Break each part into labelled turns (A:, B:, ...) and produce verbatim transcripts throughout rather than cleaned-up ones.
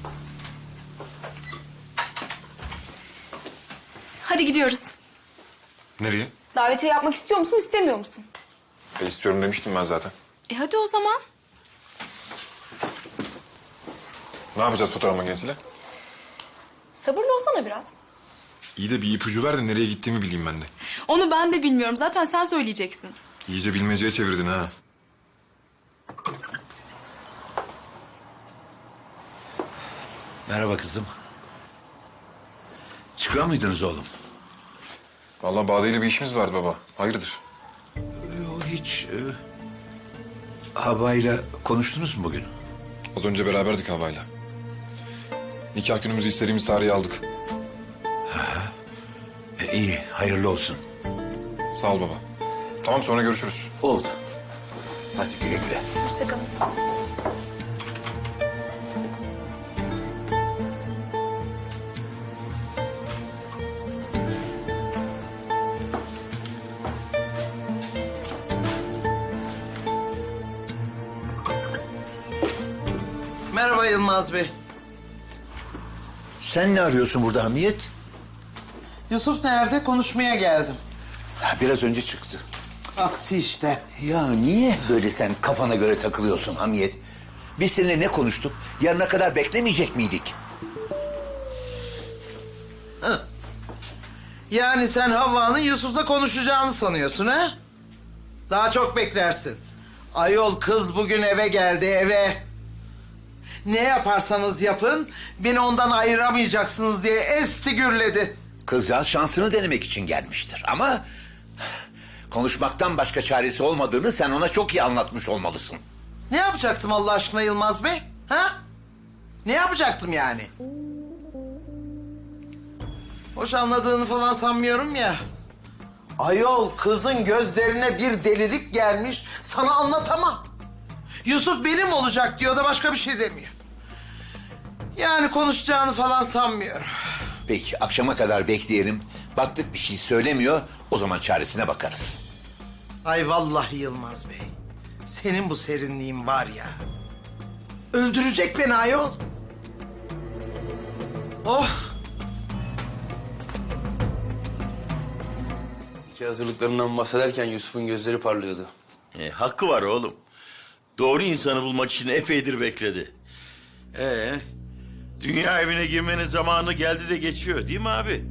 A: Hadi gidiyoruz.
B: Nereye?
A: Davetiye yapmak istiyor musun, istemiyor musun?
B: E, istiyorum demiştim ben zaten.
A: E hadi o zaman.
B: Ne yapacağız fotoğraf makinesiyle?
A: Sabırlı olsana biraz.
B: İyi de bir ipucu ver de nereye gittiğimi bileyim ben de.
A: Onu ben de bilmiyorum. Zaten sen söyleyeceksin.
B: İyice bilmeceye çevirdin ha.
C: Merhaba kızım. Çıkıyor muydunuz oğlum?
B: Vallahi Bade'yle bir işimiz vardı baba. Hayırdır?
C: Yok hiç. E, Havayla konuştunuz mu bugün?
B: Az önce beraberdik havayla. Nikah günümüzü istediğimiz tarihi aldık.
C: E, iyi, hayırlı olsun.
B: Sağ ol baba. Tamam, sonra görüşürüz.
C: Oldu. Hadi güle güle.
A: Hoşçakalın.
D: Merhaba Yılmaz Bey.
C: Sen ne arıyorsun burada Hamiyet?
D: Yusuf nerede? Konuşmaya geldim.
C: Ha, biraz önce çıktı.
D: Aksi işte.
C: Ya niye böyle sen kafana göre takılıyorsun Hamiyet? Biz seninle ne konuştuk? Yarına kadar beklemeyecek miydik?
D: Yani sen Havva'nın Yusuf'la konuşacağını sanıyorsun ha? Daha çok beklersin. Ayol kız bugün eve geldi eve. Ne yaparsanız yapın beni ondan ayıramayacaksınız diye esti gürledi.
C: Kızcağız şansını denemek için gelmiştir ama... konuşmaktan başka çaresi olmadığını sen ona çok iyi anlatmış olmalısın.
D: Ne yapacaktım Allah aşkına Yılmaz Bey? Ha? Ne yapacaktım yani? Hoş anladığını falan sanmıyorum ya. Ayol kızın gözlerine bir delilik gelmiş. Sana anlatamam. Yusuf benim olacak diyor da başka bir şey demiyor. Yani konuşacağını falan sanmıyorum.
C: Peki akşama kadar bekleyelim. Baktık bir şey söylemiyor, o zaman çaresine bakarız.
D: Ay vallahi Yılmaz Bey. Senin bu serinliğin var ya. Öldürecek beni ayol. Oh.
E: Nikah hazırlıklarından bahsederken Yusuf'un gözleri parlıyordu.
F: E, hakkı var oğlum. Doğru insanı bulmak için epeydir bekledi. Ee, dünya evine girmenin zamanı geldi de geçiyor değil mi abi?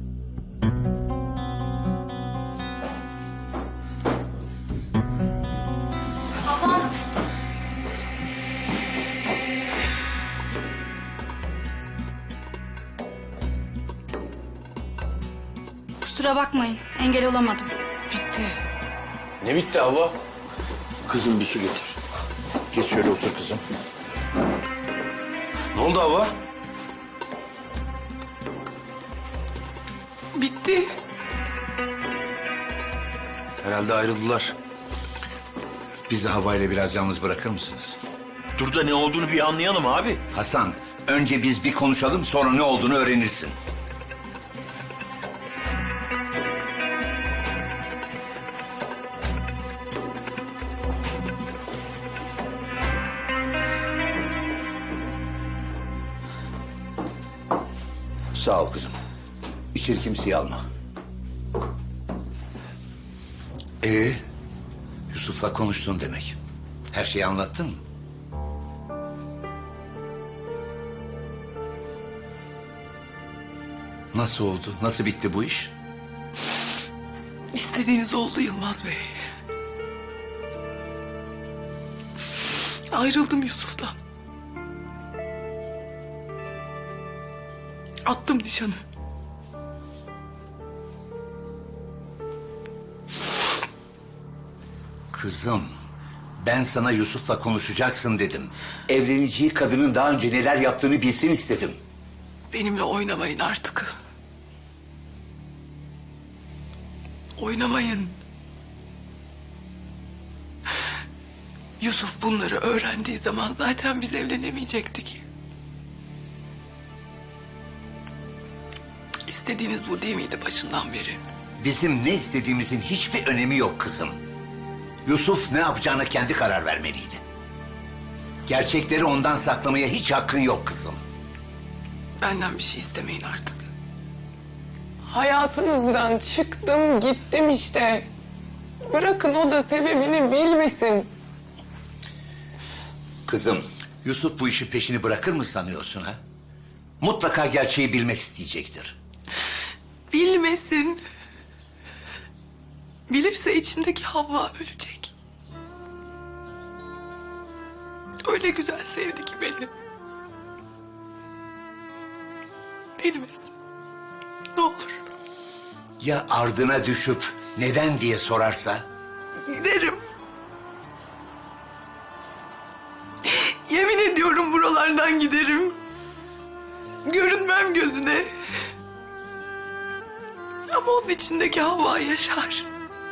A: Kusura bakmayın. Engel olamadım.
E: Ne bitti Havva? Kızım bir su getir.
C: Geç şöyle otur kızım.
E: Ne oldu Havva?
A: Bitti.
E: Herhalde ayrıldılar.
C: Bizi havayla biraz yalnız bırakır mısınız?
F: Dur da ne olduğunu bir anlayalım abi.
C: Hasan, önce biz bir konuşalım, sonra ne olduğunu öğrenirsin. Sağ ol kızım. İçeri kimseyi alma. Ee, Yusuf'la konuştun demek. Her şeyi anlattın mı? Nasıl oldu? Nasıl bitti bu iş?
G: İstediğiniz oldu Yılmaz Bey. Ayrıldım Yusuf'tan. Attım nişanı.
C: Kızım, ben sana Yusuf'la konuşacaksın dedim. Evleneceği kadının daha önce neler yaptığını bilsin istedim.
G: Benimle oynamayın artık. Oynamayın. Yusuf bunları öğrendiği zaman zaten biz evlenemeyecektik. İstediğiniz bu değil miydi başından beri?
C: Bizim ne istediğimizin hiçbir önemi yok kızım. Yusuf ne yapacağına kendi karar vermeliydi. Gerçekleri ondan saklamaya hiç hakkın yok kızım.
G: Benden bir şey istemeyin artık. Hayatınızdan çıktım gittim işte. Bırakın o da sebebini bilmesin.
C: Kızım, Yusuf bu işin peşini bırakır mı sanıyorsun ha? Mutlaka gerçeği bilmek isteyecektir.
G: Bilmesin. Bilirse içindeki Havva ölecek. Öyle güzel sevdi ki beni. Bilmesin. Ne olur.
C: Ya ardına düşüp neden diye sorarsa?
G: Giderim. Yemin ediyorum buralardan giderim. Görünmem gözüne. Ama onun içindeki Havva yaşar.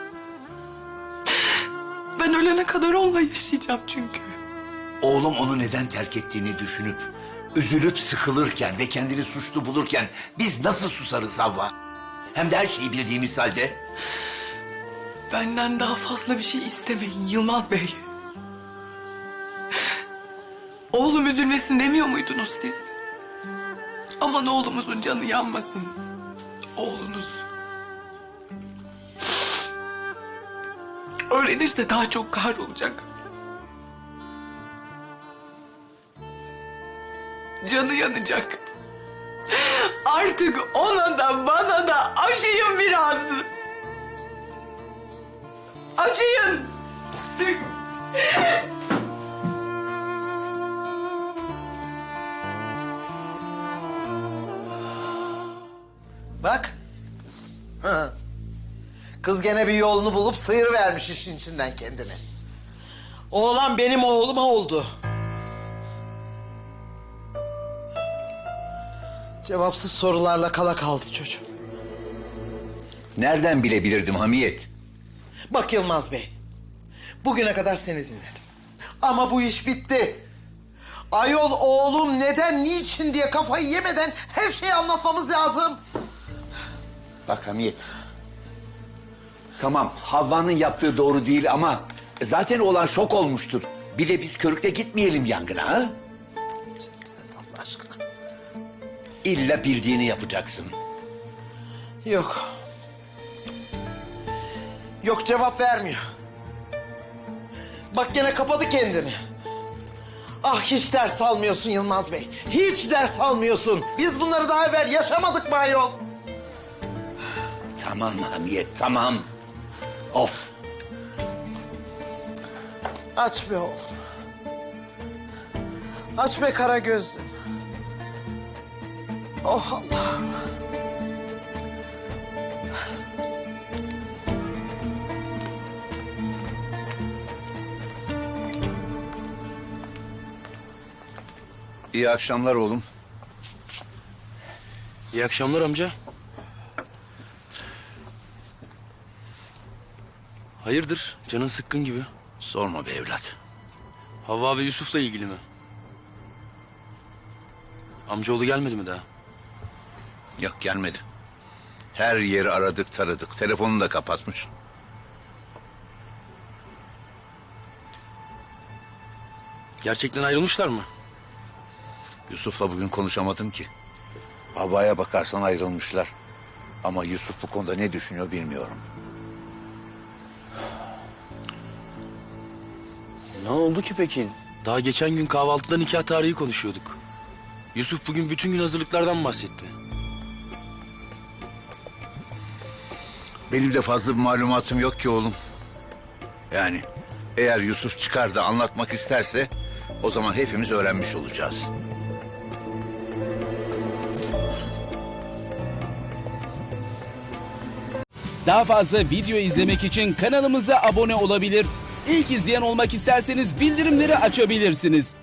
G: Ben ölene kadar onunla yaşayacağım çünkü.
C: Oğlum onu neden terk ettiğini düşünüp, üzülüp sıkılırken ve kendini suçlu bulurken biz nasıl susarız Havva? Hem de her şeyi bildiğimiz halde.
G: Benden daha fazla bir şey istemeyin Yılmaz Bey. Oğlum üzülmesin demiyor muydunuz siz? Aman oğlumuzun canı yanmasın. Oğlunuz. Öğrenirse daha çok kahrolacak. Canı yanacak. Artık ona da bana da acıyın biraz. Acıyın.
D: Bak. Ha. Kız gene bir yolunu bulup sıyırıvermiş işin içinden kendini. Oğlan benim oğluma oldu. Cevapsız sorularla kala kaldı çocuğum.
C: Nereden bilebilirdim Hamiyet?
D: Bak Yılmaz Bey, bugüne kadar seni dinledim. Ama bu iş bitti. Ayol oğlum neden, niçin diye kafayı yemeden her şeyi anlatmamız lazım.
C: Bak Hamiyet. Tamam, Havva'nın yaptığı doğru değil ama zaten oğlan şok olmuştur. Bir de biz körükte gitmeyelim yangına ha?
D: Sen, sen Allah aşkına.
C: İlla bildiğini yapacaksın.
D: Yok. Yok, cevap vermiyor. Bak gene kapadı kendini. Ah, hiç ders almıyorsun Yılmaz Bey. Hiç ders almıyorsun. Biz bunları daha evvel yaşamadık mı ayol?
C: Tamam Hamiyet, tamam. Of.
D: Aç be oğlum. Aç be kara gözlüm. Oh Allah'ım.
C: İyi akşamlar oğlum.
E: İyi akşamlar amca. Hayırdır? Canın sıkkın gibi.
C: Sorma be evlat.
E: Havva ve Yusuf'la ilgili mi? Amcaoğlu gelmedi mi daha?
C: Yok, gelmedi. Her yeri aradık taradık. Telefonunu da kapatmış.
E: Gerçekten ayrılmışlar mı?
C: Yusuf'la bugün konuşamadım ki. Havva'ya bakarsan ayrılmışlar. Ama Yusuf bu konuda ne düşünüyor bilmiyorum.
E: Ne oldu ki peki? Daha geçen gün kahvaltıda nikah tarihi konuşuyorduk. Yusuf bugün bütün gün hazırlıklardan bahsetti.
C: Benim de fazla bir malumatım yok ki oğlum. Yani eğer Yusuf çıkar da anlatmak isterse o zaman hepimiz öğrenmiş olacağız.
H: Daha fazla video izlemek için kanalımıza abone olabilir. İlk izleyen olmak isterseniz bildirimleri açabilirsiniz.